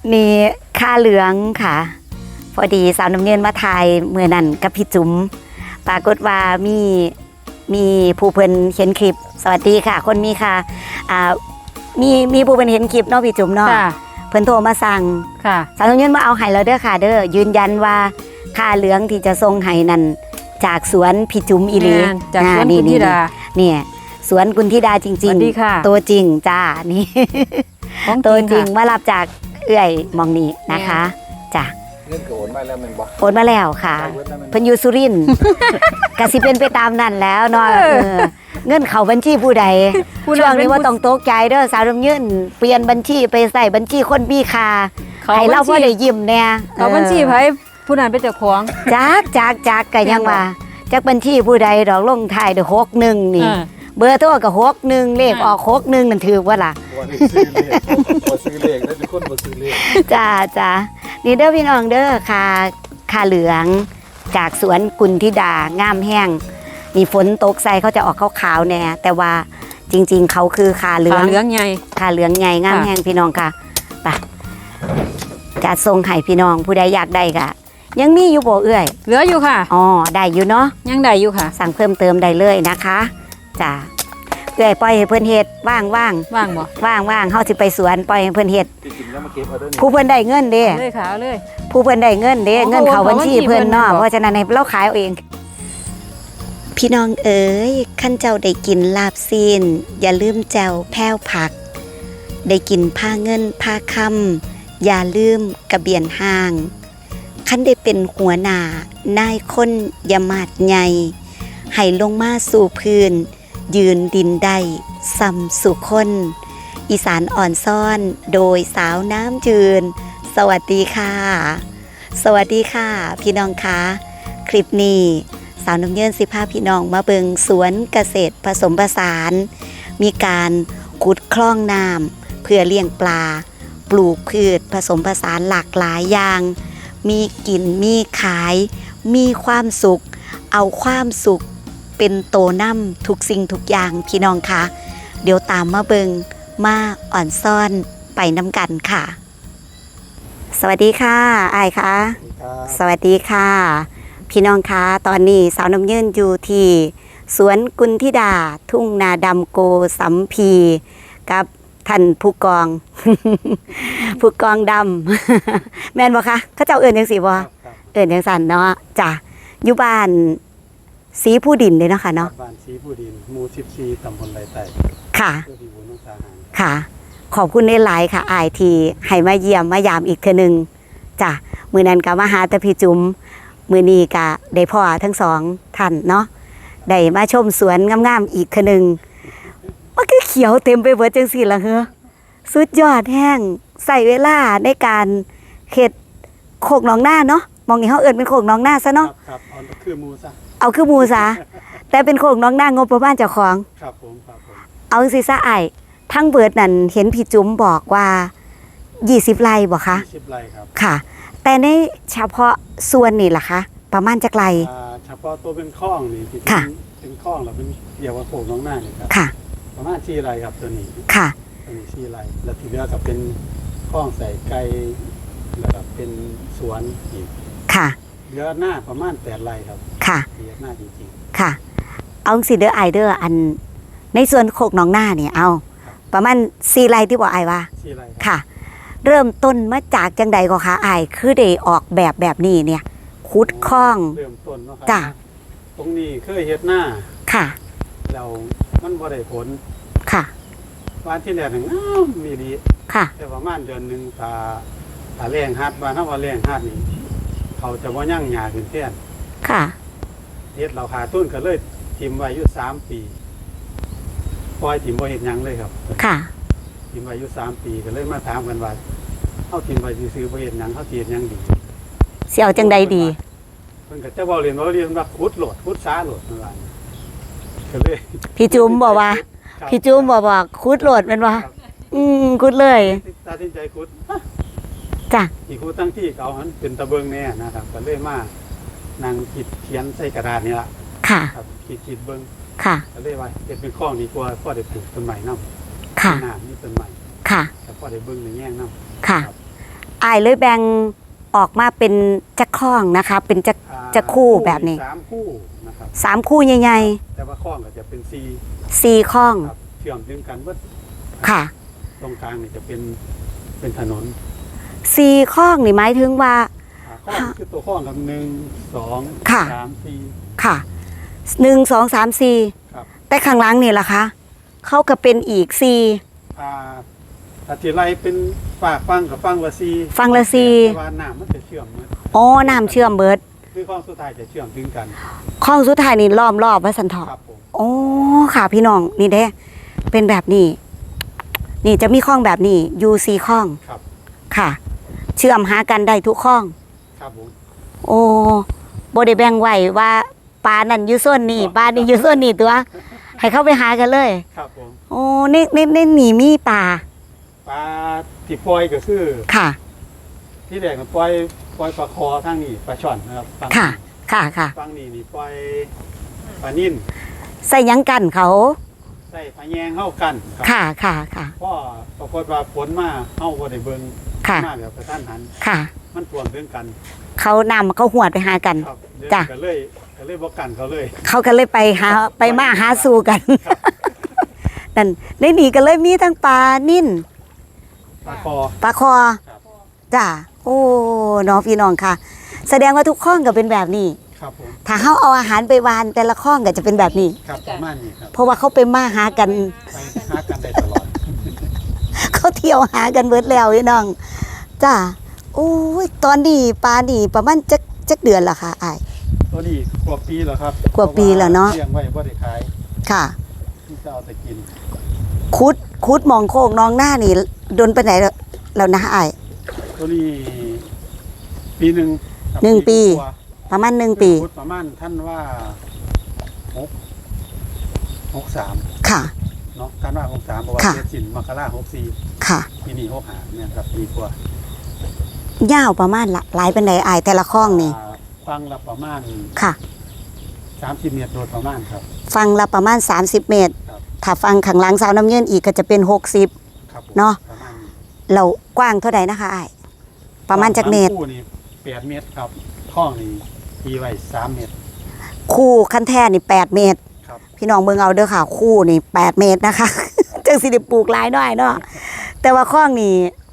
นี่ค่าเหลืองค่ะพอดีสาวน้ำเงินมาถ่ายเมื่อนั้นกับพี่จุ๋มปรากฏว่ามีผู้เพิ่นเห็นคลิปสวัสดีค่ะ คนมีค่ะมีผู้เพิ่นเห็นคลิปเนาะพี่จุ๋มเนาะเพิ่นโทรมาสั่งค่ะสาวน้ำเงินมาเอาไห้แล้วเด้อค่ะเด้อยืนยันว่าค่าเหลืองที่จะส่งไห้นั่นจากสวนพี่จุ๋มอีหลีจากสวนกุณธิดาเนี่ยสวนกุณธิดาจริงๆตัวจริงจ้านี่ตัวจริงมารับจากเอื้อยมองนี้นะคะจ้ะเงินก็โอนมาแล้วมันบอกโอนมาแล้วค่ะเพิ่นอยู่สุรินทร์กสิเป็นไปตามนั้นแล้วเนาะเงินเข้าบัญชีผู้ใดช่วงนี้ว่าต้องตกใจเด้อสาวน้ำเงินเปลี่ยนบัญชีไปใส่บัญชีคนมีค่าให้เราบ่ได้ยิ้มแน่เขาบัญชีไผผู้นั้นเป็นเจ้าของจักก็ยังว่าจักบัญชีผู้ใดดอกลงท้ายด้วย61นี่เบอร์โทรก็61เลขออก61นั่นถือว่าล่ะบ่ซื้อเลขแล้วทุกคนบ่ซื้อเลขจ้านี่เด้อพี่น้องเด้อค่าเหลืองจากสวนกุณธิดางามแห้งนี่ฝนตกใส่เขาจะออกขาวๆแน่แต่ว่าจริงๆเขาคือค่าเหลืองใหญ่ค่าเหลืองใหญ่งามแห้งพี่น้องค่ะไปจะส่งให้พี่น้องผู้ใดอยากได้ก็ยังมีอยู่บ่เอื้อยเหลืออยู่ค่ะอ๋อได้อยู่เนาะยังได้อยู่ค่ะสั่งเพิ่มเติมได้เลยนะคะจ้าเอื้อยปล่อยให้เพิ่นเฮ็ดว่างบ่ว่างเฮาสิไปสวนปล่อยให้เพิ่นเฮ็ดผู้เพิ่นได้เงินเด้เลยค่ะเลยผู้เพิ่นได้เงินเด้เงินเข้าบัญชีเพิ่นเนาะเพราะฉะนั้นให้เราขายเอาเองพี่น้องเอ๋ยขั้นเจ้าได้กินลาบซีนอย่าลืมแจวแพ้วผักได้กินผ้าเงินผ้าคำอย่าลืมกระเบียนห้างขั้นได้เป็นหัวหน้านายคนอย่ามาดใหญ่ให้ลงมาสู่พื้นยืนดินได้ซ้ำสู่คนอีสานอ่อนซ่อนโดยสาวน้ำจืนสวัสดีค่ะสวัสดีค่ะพี่น้องคะคลิปนี้สาวน้ำเยินสิพาพี่น้องมาเบิงสวนเกษตรผสมผสานมีการขุดคลองน้ำเพื่อเลี้ยงปลาปลูกพืชผสมผสานหลากหลายอย่างมีกินมีขายมีความสุขเอาความสุขเป็นโตนำทุกสิ่งทุกอย่างพี่น้องคะเดี๋ยวตามมาเบิงมาอ่อนซ่อนไปน้ำกันค่ะสวัสดีค่ะอ้ายค่ะสวัสดีค่ะพี่น้องคะตอนนี้สาวน้ำยืนอยู่ที่สวนกุณธิดาทุ่งนาดำโกสัมพีกับท่านผู้กอง ผู้กองดำ แม่นบ่คะเขาเจ้าเอิ้นจังซี่บ่เอิ้นจังซั่นเนาะจ้ะอยู่บ้านศรีผู้ดินเลยเนาะค่ะเนาะบ้านศรีผู้ดินหมู่14ตำบลไรไต่ค่ะค่ะขอบคุณหลายๆค่ะอ้ายที่ให้มาเยี่ยมมายามอีกเทื่อนึงจ้ะมื้อนั้นก็มาหาแต่พี่จุ๋มมื้อนี้ก็ได้พ่อทั้งสองท่านเนาะได้มาชมสวนงามๆอีกเทื่อนึงมันคือเขียวเต็มไปหมดจังซี่ล่ะเฮ้อสุดยอดแห้งใส่เวลาในการเฮ็ดโคกหนองนาเนาะมองนี่เฮาเอิ้นเป็นโคกหนองนาซะเนาะครับเอาคือหมู่ซะเอาคือหมู่ซะแต่เป็นโคกหนองนางบประมาณเจ้าของครับผมเอาสิซะอ้ายทั้งเบิดนั่นเห็นพี่จุ๋มบอกว่า20ไร่บ่คะ 20ไร่ครับค่ะแต่ในเฉพาะส่วนนี่ล่ะคะประมาณจักไร่เฉพาะตัวเป็นคลองนี่ที่เป็นคลองแล้วเป็นเกี่ยวกับโคกหนองนานี่ครับค่ะประมาณ4ไร่ครับตัวนี้ค่ะตัวนี้4ไร่แล้วที่เหลือก็เป็นคลองใส่ไก่แล้วก็เป็นสวนอีกค่ะเหลือหน้าประมาณ8ไร่ครับค่ะเหลือหน้าจริงๆค่ะเอาสิเด้ออ้ายเด้ออันในส่วนโคกหนองนาเนี่ยเอาประมาณ4ไร่ที่บอกอ้ายว่า 4ไร่ค่ะเริ่มต้นมาจากจังใดก็คะอ้ายคือได้ออกแบบนี้เนี่ยขุดคลองเริ่มต้นเนาะครับจ้ะตรงนี้เคยเฮ็ดหน้าค่ะแล้วมันบ่ได้ผลค่ะวันที่แรกมีดีค่ะแต่ประมาณเดือนนึงถ้าแรงฮัดว่าถ้าว่าแรงฮัดนี่เขาจะบ่ยั่งหญ้าขึ้นแทนค่ะเฮ็ดเราขาดทุนก็เลยทิ่มไว้อยู่3ปีปล่อยทิ่มบ่เฮ็ดหยังเลยครับค่ะทิ่มไว้อยู่3ปีก็เลยมาถามกันว่าเฮาทิ่มไว้ซื่อๆบ่เฮ็ดหยังเฮาสิเฮ็ดหยังดีสิเอาจังใดดีเพิ่นก็จะเรียนว่าขุดโหลดขุดช้าโหลดนั่นว่าก็เลยพี่จุ๋มบอกว่าขุดโหลดแม่นบ่ขุดเลยตัดสินใจขุดจ้ะอีกขุดตั้งที่เขาหันเป็นตะเบิงแน่นะครับก็เลยมานั่งคิดเขียนใส่กระดาษนี่ล่ะค่ะครับคิดเบิ่งค่ะก็เลยว่าเฮ็ดเป็นคลองดีกว่าพอได้ปลูกต้นไม้นำค่ะน้ำนี่ต้นไม้ค่ะแต่พอได้เบิ่งในแง่งนำค่ะอายเลยแบ่งออกมาเป็นจักข้องนะคะ เป็นจักคู่แบบนี้ 3 คู่นะครับ 3 คู่ใหญ่แต่ว่าข้องก็จะเป็นๆ 4 4ข้องครับเชื่อมถึงกันเบิดค่ะตรงกลางนี่จะเป็นถนน 4ข้องนี่หมายถึงว่าข้องคือตัวข้องกับ1 2 ค่ะ 3 4 ค่ะ1 2 3 4 ครับแต่ข้างหลังนี่ล่ะคะเขาก็เป็นอีก4 อาทิไรเป็นฝากฟังกับฟังละ4 ฟังละแต่ว่าน้ำมันจะเชื่อมเบิดอ๋อน้ำเชื่อมเบิดคือข้องสุดท้ายจะเชื่อมถึงกันข้องสุดท้ายนี่ล้อมรอบว่าสันเถาะครับผมโอ้ค่ะพี่น้องนี่เด้เป็นแบบนี้ นี่จะมีข้องแบบนี้อยู่4ข้องครับค่ะ เชื่อมหากันได้ทุกข้องครับผมโอ้บ่ได้แบ่งไว้ว่าปลานั่นอยู่โซนนี้ปลานี่อยู่โซนนี้ตัว ให้เข้าไปหากันเลยครับผมโอ้นี่มีปลาปลาที่ปล่อยก็คือค่ะที่แรกก็ปล่อยปลาคอทางนี้ปลาช่อนนะครับฝั่งค่ะ ค่ะฝั่งนี้นี่ปล่อยปลานิ่นใส่หยังกันเขาใส่ปลาแยงเข้ากันครัค่ะเพราะปรากฏว่าฝนมาเฮาบ่ได้เบิ่งค่ะมาแบบกระทันหันค่ะมันท่วมถึงกันเขานำเขาหวดไปหากันครับเดี๋ยวจ้ะก็เลยบ่กันเขาเลยเขาก็เลยไปมาหาสู่กัน นั่นในนี่ก็เลยมีทั้งปลานิ่นปลาคอปลาคอครับจ้ะโอ้น้องพี่น้องค่ะ แสดงว่าทุกข้องก็เป็นแบบนี้ครับผมถ้าเขาเอาอาหารไปวานแต่ละข้องก็จะเป็นแบบนี้ครับประมาณนี้ครับเพราะว่าเขาไปมาหากันไปหากันได้ตลอดเขาเที่ยวหากันเบิดแล้วพี่น้องจ้ะโอ้ยตอนนี้ปลานี่ประมาณจักเดือนละค่ะอ้ายตัวนี้กว่าปีแล้วครับกว่าปีแล้วเนาะเลี้ยงไว้บ่ได้ขายค่ะที่จะเอาแต่กินคุดมองโคกน้องหน้านี่โดนไปไหนแล้วนะอ้ายตัวนี้ปีหนึ่งครับหนึ่งปีกว่าประมาณ1 ปีพุทธประมาณท่านว่า63 ค่ะเนาะท่านว่า63เพราะว่าค่ะเดือนสินมกรา64 ค่ะปีนี้65เนี่ยครับปีกว่ายาวประมาณหลายเป็นไหนอ้ายแต่ละข้องนี่ฟังละประมาณค่ะ 30 เมตรโดยประมาณครับฟังละประมาณ30 เมตรครับถ้าฟังข้างหลังสาวน้ำเย็นอีกก็จะเป็น60 ครับผมเนาะประมาณนี้เรากว้างเท่าใดนะคะอ้ายประมาณจักเมตรคู่นี่8 เมตรครับท้องนี่ตีไว้3 เมตรคู่คันแท่นี่8 เมตรครับพี่น้องเบิ่งเอาเด้อค่ะ คู่นี่8 เมตรนะคะ จังสิได้ปลูกหลายหน่อยเนาะแต่ว่าข้องนี่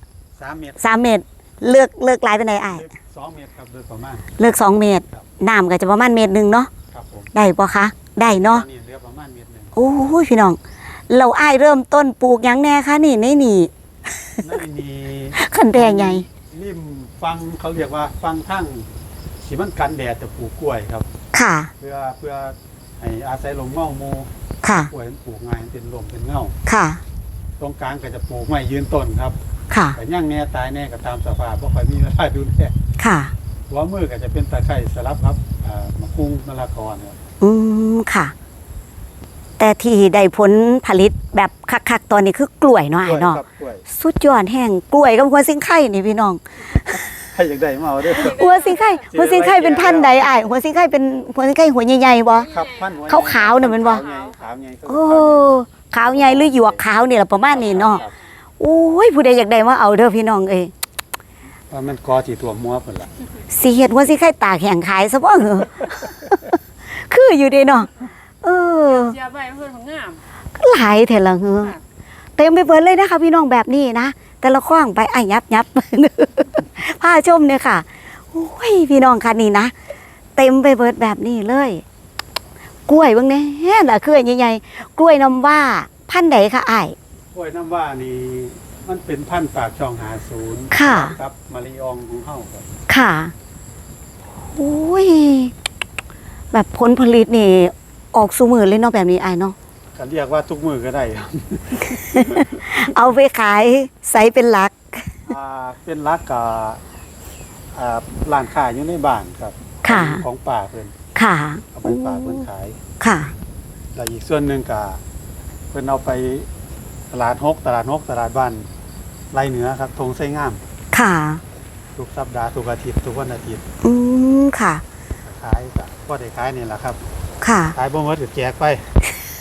3 เมตร 3 เมตรเลือกหลายเป็นไหนอ้ายลึก2 เมตรครับโดยประมาณเลือก2 เมตรครับน้ำก็จะประมาณเมตรหนึงเนาะครับผมได้ปะคะได้เนาะอันนี้เหลือประมาณเมตรหนึงโอ้ยพี่น้องเราอ้ายเริ่มต้นปลูกหยังแน่คะนี่นี่นั่นมีคันแดงใหญ่ริมฟังเขาเรียกว่าฟังทั้งที่มันกันแดดจะปลูกกล้วยครับค่ะเพื่อให้อาศัยลมเงาหมูค่ะกล้วยมันปลูกง่ายเป็นลมเป็นเงาค่ะตรงกลางก็จะปลูกไม้ยืนต้นครับค่ะแต่ย่างแน่ตายแน่ก็ตามสภาพเพราะค่อยมีเวลาดูแลค่ะหัวมือก็จะเป็นตะไคร้สลับครับมะกุ้งมะละกอเนี่ยค่ะ แต่ที่ได้ผลผลิตแบบคักๆตอนนี้คือกล้วยเนาะกล้อ้าวยเนาะครับกล้วยสุดยอดแห้งกล้วยกับหัวสิงไข่นี่พี่น้องให้อยากได้มาเอาเด้อหัวสิงไข่หัวสิงไข่เป็นพันธุ์ใดอ้ายหัวสิงไข่เป็นหัวสิงไข่หัวใหญ่ๆบ่ครับพันหัวขาวๆน่ะแม่นบ่ขาวใหญ่โอ้ขาวใหญ่หรือหยวกขาวนี่ล่ะประมาณนี้เนาะโอ้ยผู้ใดอยากได้มาเอาเด้อพี่น้องเอ้ยว่ามันกอที่ตัวมัวเพิ่นล่ะสิเฮ็ดหัวสิงไข่ตากแห้งขายซะบ่เหรอ คืออยู่เด้เนาะเออเสียใบเพิ่นของงามหลายแท้ละเหรอ เต็มไปเบิดเลยนะคะพี่น้องแบบนี้นะแต่ละข้องไปไอ้ยับ ผ้าชมเนี่ยค่ะโอ้ยพี่น้องค่ะนี่นะเต็มไปเบิดแบบนี้เลย กล้วยเบางแน่ล่ะคือใหญ่ๆกล้วยน้ำว่าพันธุ์ใดคะอ้ายกล้วยน้ำว่านี่มันเป็นพันธุ์ปากช่อง50 ค่ะครับมะลิอองของเฮาครับค่ะโอ้ยแบบผลผลิตนี่ออกสู่มือเลยเนาะแบบนี้อ้ายเนาะก็เรียกว่าทุกมือก็ได้ครับเอาไปขายใส่เป็นหลักเป็นรักกับร้านขายอยู่ในบ้านครับค่ะของป่าเพิ่นค่ะเอาไปป่าเพิ่นขายค่ะแล้วอีกส่วนหนึ่งก็เพิ่นเอาไปตลาดฮกตลาดบ้านไรเหนือครับทงไส้งามค่ะทุกสัปดาห์ทุกอาทิตย์ทุกวันอาทิตย์ค่ะขายก็ได้ขายนี่แหละครับค่ะขายบ่หมดก็แจกไป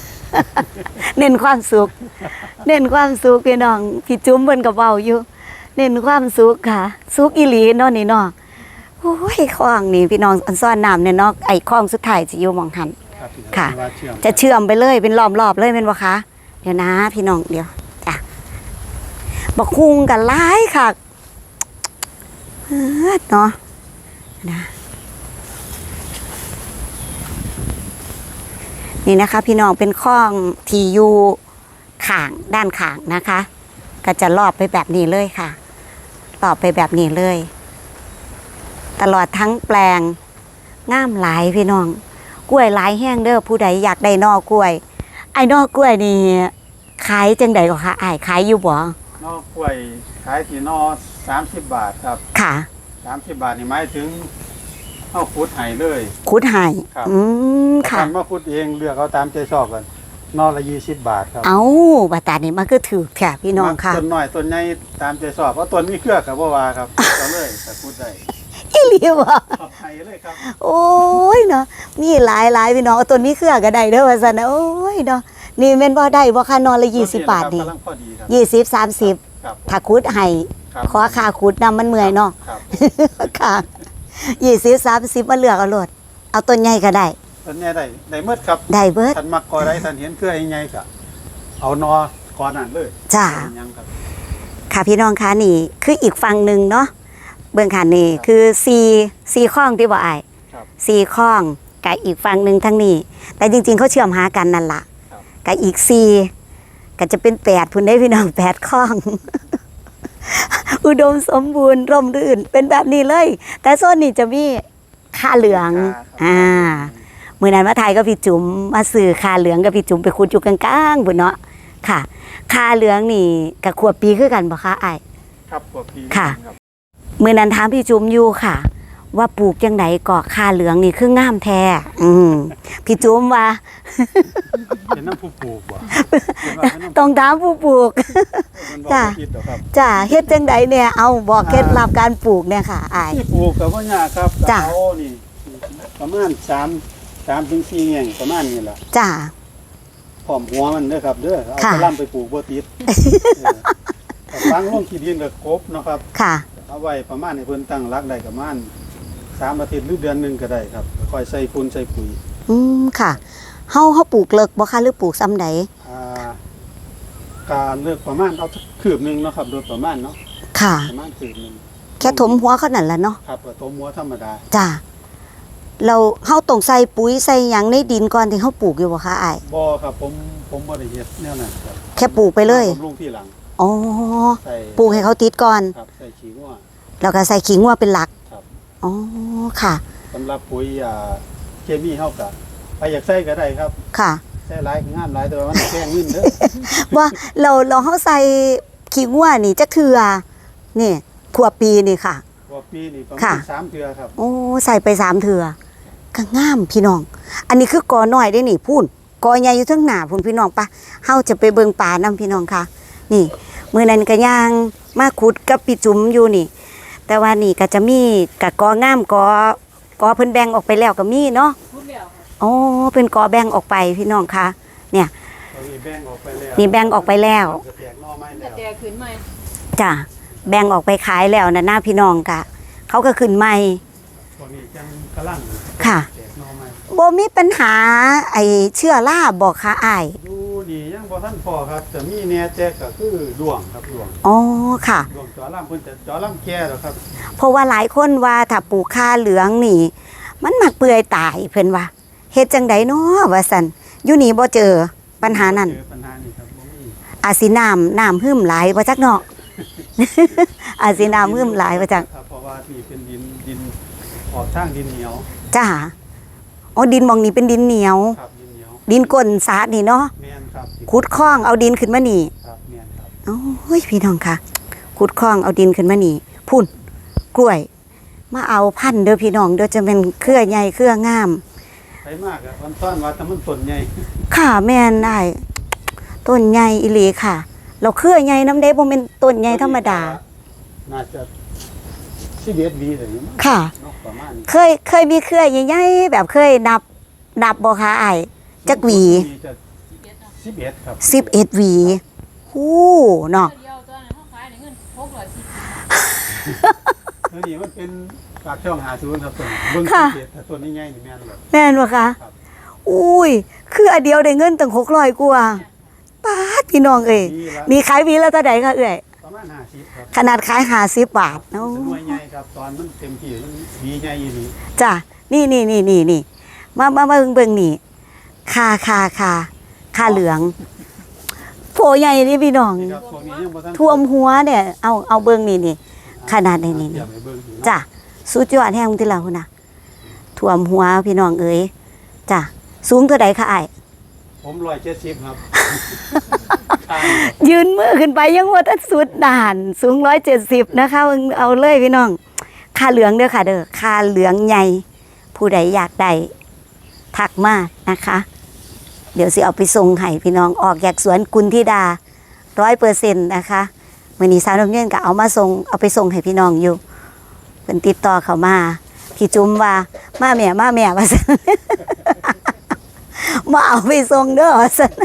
เน้นความสุข เน้นความสุขพี่น้องพี่จุ้มเพิ่นก็เว้าอยู่เน้นความสุขค่ะ สุขอีหลีเนาะนี่เนาะโอ้ยคลองนี่พี่น้องอันซ่อนน้ำเนี่ยเนาะไอ้คลองสุดท้ายจะอยู่หมองหันครับพี่น้องค่ะที่ว่าเชื่อมจะเชื่อมไปเลยเป็นรอบๆเลยเป็นบ่คะเดี๋ยวนะพี่น้องเดี๋ยวจ้ะบักคุงกันหลายค่ะเนาะนะนี่นะคะ พี่น้องเป็นคลองที่อยู่ข้างด้านข้างนะคะ ก็จะรอบไปแบบนี้เลยค่ะรอบไปแบบนี้เลย ตลอดทั้งแปลงงามหลายพี่น้องกล้วยหลายแห้งเด้อผู้ใดอยากได้นอกล้วย ไอ้นอกกล้วยนี่ขายจังใดก็คะอ้ายขายอยู่บ่นอกกล้วยขายที่นอ30 บาทครับค่ะ 30 บาทนี่หมายถึงเอาขุดให้เลยคุดให้ครับค่ะท่านมาขุดเองเลือกเอาตามใจชอบกันนอละ20 บาทครับเอาบาตานี่มันก็ถือแค่พี่น้องค่ะต้นน้อยต้นใหญ่ตามใจชอบเพราะต้นมีเครือกับบ่ว่าครับเอาเลยแต่ขุดได้อีหลีบ่ขอบให้เลยครับโอ้ยเนาะมีหลายพี่น้องเอาต้นนี้เครือก็ได้เด้อว่าซั่นนะโอ้ยเนาะนี่แม่นบ่ได้บ่ค่ะนอนละ20 บาทนี่กำลังพอดีครับ 20 30 ครับถ้าคุดให้ครับขอค่าคุดนำมันเมื่อยเนาะครับค่ะ20 30มาเลือกเอาโลดเอาต้นใหญ่ก็ได้ต้นใหญ่ได้หมดครับได้เบิดท่านมักกอได้ท่านเห็นเครือใหญ่ๆก็เอานอก่อนนั้นเลยจ้าเป็นหยังครับค่ะพี่น้องคะนี่คืออีกฝั่งหนึ่งเนาะเบื้องขันนี่คือซีข้องที่บ่อายครับซีข้องกับอีกฝั่งหนึ่งทั้งนี้ แต่จริงๆเขาเชื่อมหากันนั่นละครับกับอีกซีก็จะเป็น8พุ่นได้พี่น้อง8ข้อง อุดมสมบูรณ์ร่มรื่นเป็นแบบนี้เลย แต่โซนนี้จะมีค่าเหลืองมือนั้นมาไทยก็พี่จุ๋มมาสื่อค่าเหลืองกับพี่จุ๋มไปคุดอยู่กลางๆบุญเนาะค่ะค่าเหลืองนี่กับขวบปีคือกันบ่คะอ้ายครับพวกพี่ค่ะรับมื่อนั้นถามพี่จุ๋มอยู่ค่ะ ว่าปลูกจังไดก่อค่าเหลืองนี่คืองามแท้พี่จุ๋มว่าเป็นน้ำผู้ปลูกบ่เป็นว่าเป็นน้ำต้องถามผู้ปลูกมันบอกจ้ะว่าผิดหรอกครับจ้าเฮ็ดจังไดเนี่ยเอาบอกเคล็ดลับการปลูกเนี่ยค่ะอายที่ปลูกกับว่ายากครับจ้ะเอานี่ประมาณ3 ถึง 4แง่งประมาณนี้แหละจ้าพร้อมหัวมันเด้อครับเด้อเอาค่ะกระหล่ำไปปลูกบ่ติดฟังลงขี้ดินกับกบเนาะครับค่ะเอาไว้ประมาณให้เพิ่นตั้งรักได้ประมาณ3 อาทิตย์หรือเดือนหนึงก็ได้ครับค่อยใส่ฝุ่นใส่ปุ๋ยค่ะเฮาปลูกเลิกบ่คะหรือปลูกซ้ำใดอ่าการเลือกประมาณเอาสักคืบหนึงเนาะครับโดยประมาณเนาะค่ะประมาณคืบหนึงแค่ถมหัวเขานั่นแหละเนาะครับก็ต้มหัวธรรมดาจ้าเราเฮาต้องใส่ปุ๋ยใส่หยังในดินก่อนที่เฮาปลูกอยู่บ่คะอายบ่ครับผมบ่ได้เฮ็ดแนวนั้นครับแค่ปลูกไปเลยผมลงที่หลังอ๋อใส่ปลูกให้เขาติดก่อนครับใส่ขี้งัวแล้วก็ใส่ขิงวัวเป็นหลักครับอ๋อค่ะสำหรับปุ๋ยเคมีเฮาก็ไปอยากใส่ก็ได้ครับค่ะใส่หลายก็งามหลายแต่ว่ามันแพงเงินเด้อว่าเราเฮาใส่ขิงวัวนี่จักเทื่อนี่ขวบปีนี่ค่ะกว่าปีนี่ประมาค่ะณ3 เทื่อครับโอ้ใส่ไป3เทื่อก็งามพี่น้อง อันนี้คือกอน้อยได้นี่พูนกอใหญ่อยู่เทั้งหน้าพุ่นพี่น้องปะเฮาจะไปเบิ่งป่านํพี่น้องค่ะ นี่มื้อนั้นก็ย่างมาขุดกับพี่จุ๋มอยู่นี่ แต่ว่านี่ก็จะมีกะกองามกอเพิ่นแบ่งออกไปแล้วก็มีเนาะอ๋อเป็นกอแบ่งออกไปพี่น้องค่ะ เนี่ยตอนนี้แบ่งออกไปแล้วนี่แบ่งออกไปแล้วจะแตกหน่อไม้แล้วแต่ขึ้นใหม่จ้ะแบ่งออกไปขายแล้วนะหน้าพี่น้องกะเขาก็ขึ้นใหม่พวกนี้จังกะลังค่ะแตกหน่อไม้บ่มีปัญหาไอ้เชื้อราบอกค่ะอ้ายดูนี่ยังบ่ทันพอครับจะมีแหน่แจกก็คือดวงครับดวงอ๋อค่ะดวงจอล่ำเพิ่นจะจอล่ำแก่แล้วครับเพราะว่าหลายคนว่าถ้าปลูกค่าเหลืองนี่ มันมักเปื่อยตายเพิ่นว่าเฮ็ดจังไดเนาะว่าซั่นอยู่นี่บ่เจอปัญหานั้นเจอปัญหานี่ครับบ่มีอาจสิน้ำหึมหลายบ่จักเนาะ อาจสิน้ำหึมหลายบ่จักครับเพราะว่านี่เป็นดินออกทางดินเหนียวจ้าอ๋อดินหมองนี้เป็นดินเหนียวครับดินเหนียวดินก้นสาดนี่เนาะแม่นครับขุดคลองเอาดินขึ้นมานี่ครับแม่นครับโอ้ยพี่น้องค่ะขุดคลองเอาดินขึ้นมานี่พุ่นกล้วย มาเอาพันธุ์เด้อพี่น้องเด้อจะเป็นเครือใหญ่เครืองามไปมากอ่ะวันต้อนว่าแต่มันต้นใหญ่ค่ะแม่นได้ต้นใหญ่อีหลีค่ะ เราเครือใหญ่น้ำเด้บ่เป็นต้นใหญ่ธรรมดาน่าจะ11 วีเลยมั้งค่ะเนาะประมาณนี้เคยมีเครือใหญ่ๆแบบเคยนับบ่คะอ้ายจักหวีจะ11ครับ 11หวีฮู้เนาะเดียวตอนนั้นเขาขายได้เงิน610 ตัวนี้มันเป็นปากช่อง50ครับตัวนี้เบิ่งค่ะสังเกตแต่ตัวนี้ใหญ่นี่แม่นเลยแม่นบ่คะครับอุ้ยคืออันเดียวได้เงินตั้ง600กว่าป๊าดพี่น้องเอ้ยนี่ละมีขายวีละเท่าใดคะเอ้ยประมาณ50ครับขนาดขาย50บาทโอ้เป็นหน่วยใหญ่ครับตอนมันเต็มที่มันดีใหญ่อีหลีจ้ะนี่มาเบิ่งนี่ค่าเหลืองโผใหญ่นี่พี่น้องนี่ครับพวกนี้ยังบ่ทันท่วมหัวเนี่ยเอาเบิ่งนี่ขนาดนี้เดี๋ยวไปเบิ่งอยู่เนาะจ้ะสุดยอดแห่งที่เราพุ่นน่ะท่วมหัวพี่น้องเอ้ยจ้ะสูงเท่าใดคะอ้ายผม170ครับยืนมือขึ้นไปยังว่าทัดสุดด่านสูง170นะคะเอาเลยพี่น้องค่าเหลืองเด้อค่ะเด้อค่าเหลืองใหญ่ผู้ใดอยากได้ทักมานะคะ เดี๋ยวสิเอาไปส่งให้พี่น้องออกจากสวนกุลธิดา100%นะคะมื้อนี้สาวน้ำเงินก็เอาไปส่งให้พี่น้องอยู่เพิ่นติดต่อเข้ามาพี่จุ๋มว่ามาแม่ว่าซั่น มาเอาไปส่งเด้อว่าซั่น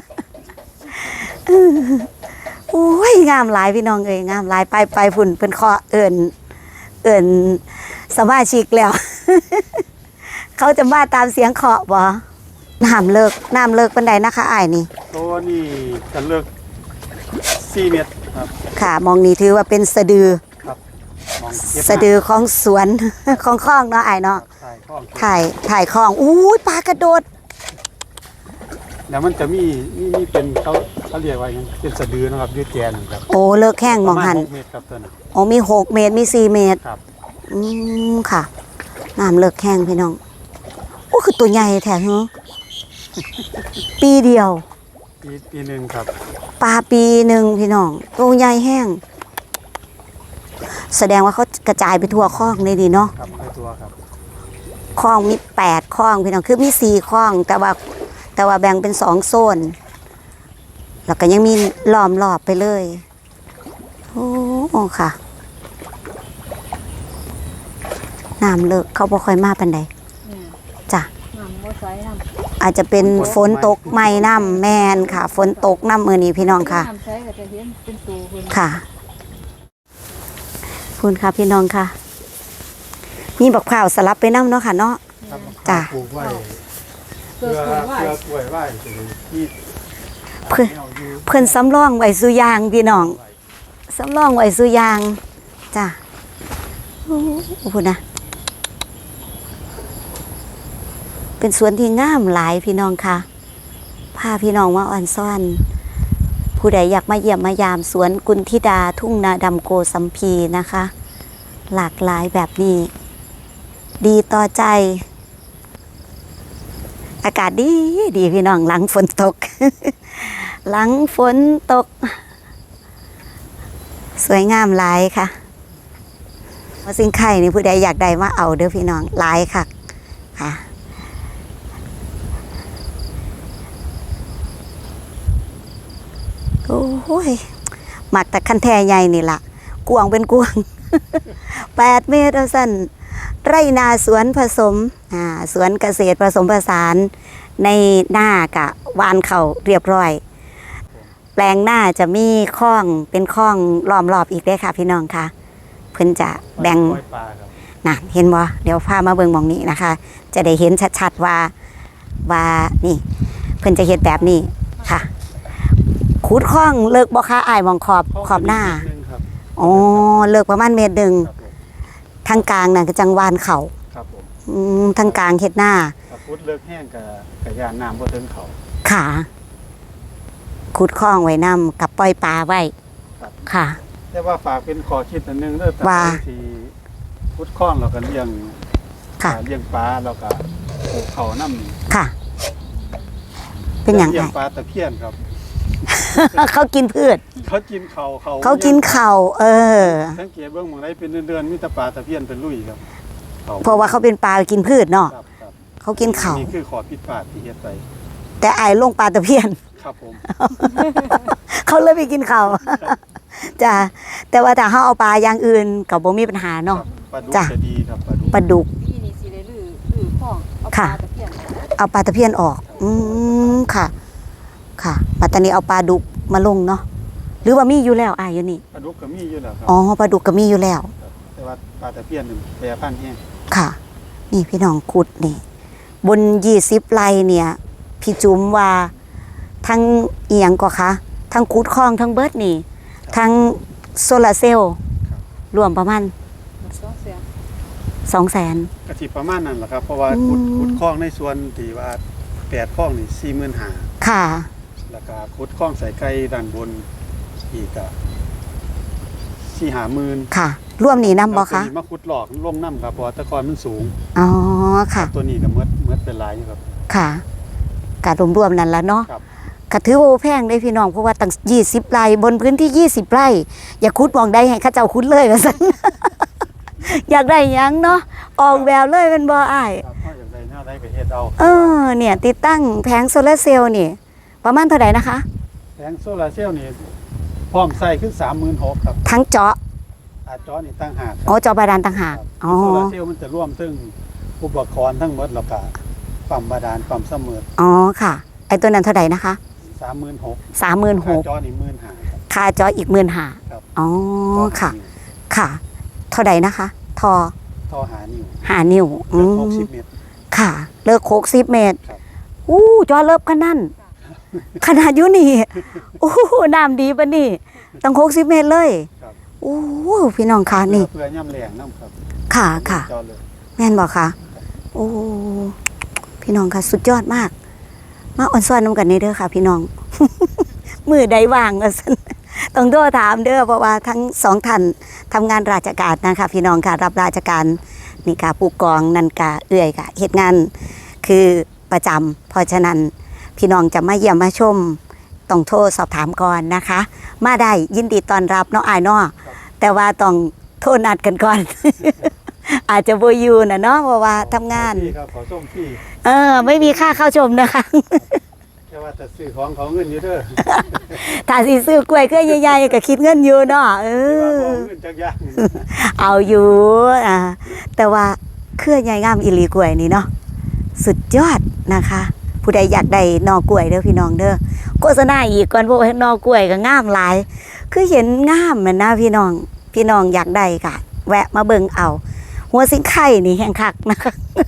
โอ้ยงามหลายพี่น้องเอ้ยงามหลายไปพุ่นเพิ่นขอเอิ้นสมาชิกแล้ว เขาจะมาตามเสียงเคาะบ่น้ำเลิกปานใดนะคะอ้ายนี่ตัวนี้จะเลือก4เมตรครับค่ะมองนี่ถือว่าเป็นสะดือครับมองเก็บสะดือของสวน ของคลองเนาะอ้ายเนาะถ่ายข้องถ่ายคลองอู้ยปลากระโดดแล้วมันจะมีเป็นเขาเรียกว่าหยังเป็นสะดือนะครับยืดแกนครับโอ้เลิกแห้งมองหันประาณ6เมตรครับตัวนั้นโอ้มี6 เมตรมี4 เมตรครับค่ะน้ำเลิกแห้งพี่น้องโอ้คือตัวใหญ่แท้เหรอปีเดียวปีหนึงครับปลาปีหนึ่งพี่น้องตัวใหญ่แห้ง แสดงว่าเขากระจายไปทั่วคลองเลยดีเนาะครับไปตัวครับคลองมี8คลองพี่น้องคือมี4คลอง แต่ว่าแบ่งเป็น2โซน แล้วก็ยังมีล้อมรอบไปเลย โอ้ค่ะน้ำเลิกเขาบ่ค่อยมาปานใดจ้ะน้ำบ่ใสน้ำอาจจะเป็นฝนตกไม่น้ำแมนค่ะ ฝนตกน้ำมือนี้พี่น้องค่ะน้ำใสก็จะเห็นเป็นตูเพิ่นค่ะคุณค่ะพี่น้องค่ะ มีบักพร้าวสลับไปน้ำเนาะค่ะเนาะครับจ้ะปลูกไว้เกิดผลว่าเพื่อกล้วยไว้ที่เพื่อแนวอยู่เพิ่นสำรองไว้สุยางพี่น้องสำรองไว้สุยางจ้ะโอ้โหนะเป็นสวนที่งามหลายพี่น้องค่ะพาพี่น้องมาอ่อนซ่อน ผู้ใดอยากมาเยี่ยมมายามสวนกุลธิดาทุ่งนาดำโกสัมพีนะคะ หลากหลายแบบนี้ ดีต่อใจ อากาศดีพี่น้องหลังฝนตก หลังฝนตก สวยงามหลายค่ะมาสิ่งไข่นี่ผู้ใดอยากได้มาเอาเด้อพี่น้องหลายค่ะค่ะ โอ้ยหมักแต่คันแท่ใหญ่นี่ล่ะกวางเป็นกวาง 8 เมตรเอาสั้นไร่นาสวนผสมสวนเกษตรผสมผสานในหน้ากะวานเขาเรียบร้อย แปลงหน้าจะมีคลองเป็นคลองล้อมรอบอีกเด้อค่ะพี่น้องค่ะเพิ่นจะแบ่งปล่อยปลาครับนะเห็นบ่เดี๋ยวพามาเบิ่งหมองนี้นะคะ จะได้เห็นชัดๆว่านี่เพิ่นจะเฮ็ดแบบนี้ค่ะขุดคลองเลิกบ่คะอ้ายมองขอบหน้านิดนึงครับอ๋อเลิกประมาณเมตรหนึ่งครับผมทางกลางน่ะก็จังหวานเขาครับผมทางกลางเฮ็ดหน้าถ้าพุดเลิกแห้งกับยานน้ำบ่ถึงเขาขาขุดคลองไว้นำกับปล่อยปลาไว้ครับค่ะแต่ว่าฝากเป็นขอคิดอันหนึงเด้อแต่ว่าที่พุดคล้องเราก็เลี้ยงค่ะเลี้ยงปลาเราก็ปลูกเขาน้ำนี่ค่ะ เป็นอย่างเลี้ยไรงปลาตะเพียนครับเขากินพืชเขากินเขาเขากินข้าวสังเกตเบื้องเมืองไรเป็นเดือนๆมีแต่ปลาตะเพียนเป็นลุยครับเพราะว่าเขาเป็นปลากินพืชเนาะครับครับเขากินข้าวนี่คือขอผิดพลาดที่เฮ็ดไปแต่อ้ายลงปลาตะเพียนครับผมเขาเลยไปกินเขาว จ้ะแต่ว่าถ้าเขาเอาปลาอย่างอื่นก็บ่มีปัญหาคเนาะรับปลาดุกจ้ะจะดีครับปลาดุกปลาดุกปีนี้สิได้ลื้อข้องเอาปค่ะลาตะเพียนเอาปลาตะเพียนออก ค่ะ ค่ะปัตตานีเอาปลาดุกมาลงเนาะหรือว่ามีอยู่แล้วอยู่นี่ปลาดุกก็มีอยู่แล้วครับอ๋อปลาดุกก็มีอยู่แล้วแต่ว่าปลาตะเพียนนี่แปรพันธุ์แห้งค่ะ นี่พี่น้องขุดนี่ บน20 ไร่เนี่ยพี่จุ๋มว่าทั้งเอียงก็คะทั้งขุดคลองทั้งเบิดนี่ ทั้งโซลาร์เซลล์รวมประมาณ 200,000 กะสิประมาณนั้นแหละครับเพราะว่าขุดคลองในส่วนที่ว่า8คลองนี่45,000 ค่ะแล้วก็ขุดคลองใส่ไก่ด้านบนอีกก็4-50,000 ค่ะ รวมนี่นำบ่คะตัวนี้มาขุดหลอกลงน้ำครับเพราะว่าแตะกอนมันสูงอ๋อค่ะตัวนี้ก็เมื่อเป็นหลายอยู่ครับค่ะกะรวมๆนั่นละเนาะครับก็ถือว่าบ่แพงได้พี่น้องเพราะว่าตั้ง20 ไร่บนพื้นที่20 ไร่อย่าขุดมองได้ให้เขาเจ้าขุดเลยว่าซั่น อยากได้หยังเนาะออกแบบเลยเป็นบ่อ้ายครับเพราะอย่างไรแนวใดก็เฮ็ดเอาเนี่ยติดตั้งแผงโซลาร์เซลล์นี่ ประมาณเท่าไหร่นะคะแผงโซลาร์เซลล์นี่พร้อมใส่คือ36,000ครับทั้งเจาะอาจอนี่ตั้งหากอ๋อเจาะบาดาลต่างหากครับอ๋อโซลาร์เซลล์มันจะร่วมซึ่งอุปกรณ์ทั้งหมดแล้วก็ปั๊มบาดาลปั๊มเสมออ๋อค่ะไอ้ตัวนั้นเท่าไหร่นะคะ 36,000 36,000 จอนี่15,000ครับค่าเจาะอีก 15,000 ครับอ๋อค่ะ ค่ะ เท่าไหร่นะคะ ทอท่อหานิ้ว 5 นิ้วเลือก60เมตรค่ะ เลิก60 เมตรครับอู้จอเลิบขนาดนั้นขนาดอยู่นี่โอ้น้ำดีปะนี่ตั้ง60 เมตรเลยครับโอ้พี่น้องคะนี่เพื่อย่ำแรงน้ำครับค่ะค่ะจอเลยแม่นบอกคะโอ้พี่น้องค่ะสุดยอดมาก มาอ่อนซ้อนน้ำกันนี่เด้อค่ะ พี่น้อง มือใดว่างก็สันต้องโทรถามเด้อเพราะว่าทั้งสองท่านทำงานราชการนะคะพี่น้องค่ะรับราชการนี่ค่ะผู้กองนันกาเอื่อยค่ะเหตุงานคือประจำเพราะฉะนั้นพี่น้องจะมาเยี่ยมมาชมต้องโทรสอบถามก่อนนะคะ มาได้ยินดีต้อนรับเนาะอายเนาะแต่ว่าต้องโทรนัดกันก่อน อาจจะโบอยูนะเนาะเพราะว่าทำงานพี่ครับขอส่งพี่ไม่มีค่าเข้าชมนะคะแค่ว่าจะซื้อของเขาเงินอยู่เด้อถ้าสิซื้อกล้วยเครือใหญ่ๆก็คิดเงินอยู่เนาะที่ว่าของเงินจักอย่างเอาอยู่แต่ว่าเครือใหญ่งามอีหลีกล้วยนี่เนาะสุดยอดนะคะ ผู้ใดอยากได้หนอกล้วยเด้อพี่น้องเด้อโฆษณาอีกก่อนเพราะว่านอกล้วยก็งามหลาย คือเห็นงามเหมือนนะพี่น้องอยากได้ก็แวะมาเบิ่งเอา หัวสิงไข่นี่แห้งคักนะคะ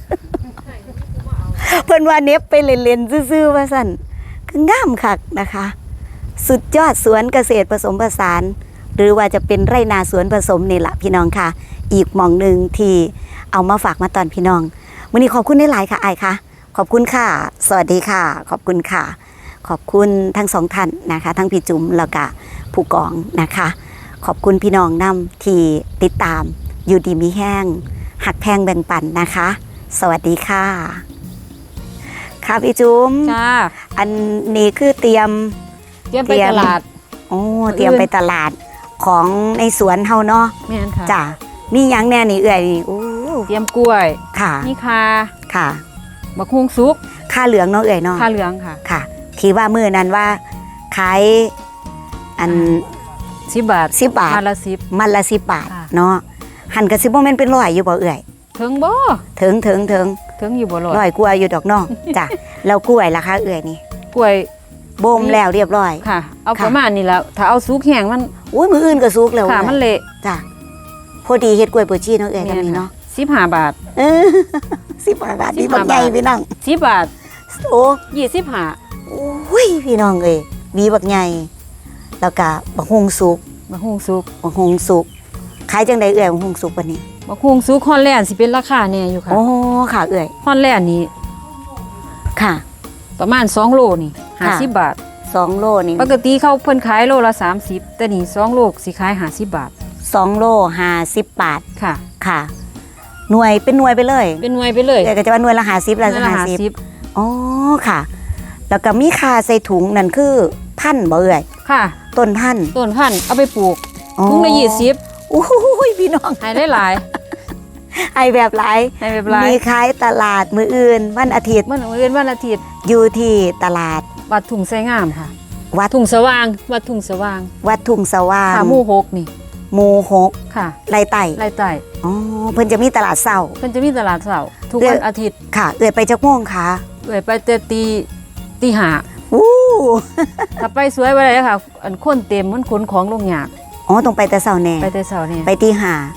เพิ่นว่าเน็บไปเล่นๆซื่อๆว่าซั่นคืองามคักนะคะ สุดยอดสวนเกษตรผสมผสาน หรือว่าจะเป็นไร่นาสวนผสมนี่แหละพี่น้องค่ะ อีกหม่องหนึ่งที่เอามาฝากมาตอนพี่น้องมื้อนี้ขอบคุณหลายๆค่ะอายค่ะขอบคุณค่ะ สวัสดีค่ะ ขอบคุณค่ะ ขอบคุณทั้งสองท่านนะคะ ทั้งพี่จุ๋มแล้วก็ผู้กองนะคะ ขอบคุณพี่น้องนำที่ติดตามอยู่ดีมีแห้งหักแพงแบ่งปันนะคะ สวัสดีค่ะค่ะพี่จุ๋มจ้าอันนี้คือเตรียมไปตลาดโอ้เตรียมไปตลาดของในสวนเฮาเนาะแม่นค่ะจ้ะมีหยังแน่นี่เอื่อยนี่โอ้เตรียมกล้วยค่ะมีคาค่ะบักฮุงซุกค่าเหลืองเนาะเอื่อยเนาะคาเหลืองค่ะค่ะที่ว่ามื้อนั้นว่าขายอัน 10 บาท 10 บาทมาละมันละ10 บาทค่ะเนาะหันก็สิบ่แม่นเป็น100อยู่บ่เอื่อย 10ถึงบ่ถึงถึงอยู่บ่ร้อยร้อยกว่าอยู่ดอกเนาะ จ้ะแล้วกล้วยล่ะคะเอื่อยนี่กล้วยบ่มแล้วเรียบร้อยค่ะ เอาค่ะประมาณนี้แล้วถ้าเอาสุกแห้งมันอุ้ยมื้ออื่นก็สุกแล้วค่ะเอื่อยมันเละจ้ะพอดีเฮ็ดกล้วยโปชีเนาะเอื่อยกันนี่เนาะ 15 บาทเออ10 บาทนี่บักใหญ่พี่น้อง 10 บาทโอ้ 25 โอ้ยพี่น้องเอ้ยมีบักใหญ่แล้วก็บักฮุงสุกบักฮุงซุกบักฮุงสุกขายจังไดเอ่ยบักฮุงสุกบัดนี้บักฮุงซุกฮอนแลนด์สิเป็นราคาแน่อยู่ค่ะโอ้ค่ะเอ่ยฮอนแลนด์นี่ค่ะประมาณ2โลนี่ค่ะ 50 บาท 2 โลนี่ปกติเขาเพิ่นขายโลละ30แต่นี่2โลสิขาย50 บาท 2 โล50 บาทค่ะค่ะ หน่วยเป็นหน่วยไปเลยเป็นหน่วยไปเลยเอ่ยก็จะว่าหน่วยละ50ละหน่วยละ 50อ๋อค่ะ แล้วก็มีค่าใส่ถุงนั่นคือพันธุ์บ่เอ่ยค่ะต้นพันธุ์ต้นพันธุ์เอาไปปลูกอ๋อถุงละ20 โอ้ยพี่น้องให้ได้หลายให้แบบหลายให้แบบหลายมีขายตลาดมื้ออื่นวันอาทิตย์มันอื่นวันอาทิตย์อยู่ที่ตลาดวัดทุ่งไสงามค่ะวัดทุ่งสว่างวัดทุ่งสว่างวัดทุ่งสว่างค่ะหมู่6นี่หมู่หกค่ะไรไต่ไร่ใต้อ๋อเพิ่นจะมีตลาดเช้าเพิ่นจะมีตลาดเสาร์ทุกเดืวัอนนอาทิตย์ค่ะเอ่ยไปจักโมงคะเอ้ยไปแต่ตีห้าอู้ถ้าไปสวยบ่ได้ค่ะ อันคนเต็มมันขนของลงยากอ๋อต้องไปแต่เช้าแน่ไปแต่เช้านี่ไปตีห้าค่ะไป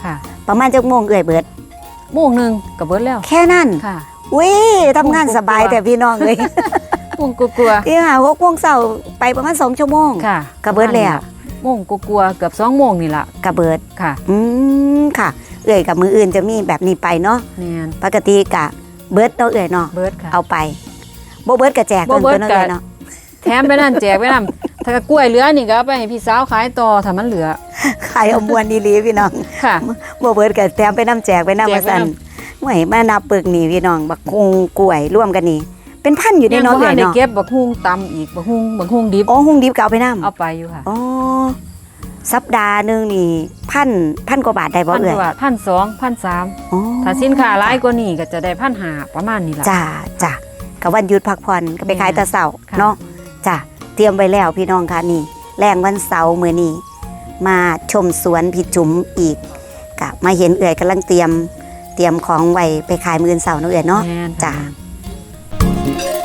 ประมาณจักโมงเอื่อยเบิดโมงหนึงก็เบิดแล้วแค่นั้นค่ะอุ้ยทำงานสบายแต่พี่น้องเลยโมงกลัวที่หา6 โมงเช้าไปประมาณ2 ชั่วโมงๆค่ะก็เบิดแล้วโมงกลัวๆเกือบ2 โมงนี่ล่ะกระเบิดค่ะค่ะ เอื่อยกับมืออื่นจะมีแบบนี้ไปเนาะแม่นปกติกะเบิดเนาะเอื่อยเนาะเบิดค่ะเอาไปบ่เบิดกะแจกบ่เบิดเนาะกะเอื่อยเนาะแถมไปนั่นแจกไปนั่นถ้ากล้วยเหลือนี่ก็เอาไปให้พี่สาวขายต่อถ้ามันเหลือขายเอามวนอีหลีพี่น้องค่ะบ่เบิดกะแถมไปน้ำแจกไปน้ำมาสั่นหวยมานับปึกนี่พี่น้องบักคงกล้วยร่วมกันนี่เป็นพันอยู่ในยังเนาะบ่เอื่ทัอน ยได้เนาะเก็บบักฮุงตำอีกบักฮุงดิบอ๋อหุงดิบก็เอาไปนํเอาไปอยู่ค่ะอ๋อสัปดาห์หนึงนี่พันกว่าบาทได้บ่พันเอื่อยกว่า1,200 1,300 อ๋อถ้าสินค้าหลายกว่านี้ก็จะได้1,500ประมาณนี้ล่ะจ้ะกับวันหยุดพักผ่อนก็ไปขายแต่เสาร์ค่ะเนาะจ้ะเตรียมไว้แล้วพี่น้องค่ะนี่แรงวันเสาร์มื้อนี้มาชมสวนพี่จุ๋มอีกกะมาเห็นเอื่อยกำลังเตรียมของไว้ไปขายมื้ออนเสาร์เนาะเอื่อยเนาะแม่นจ้ะค่ะ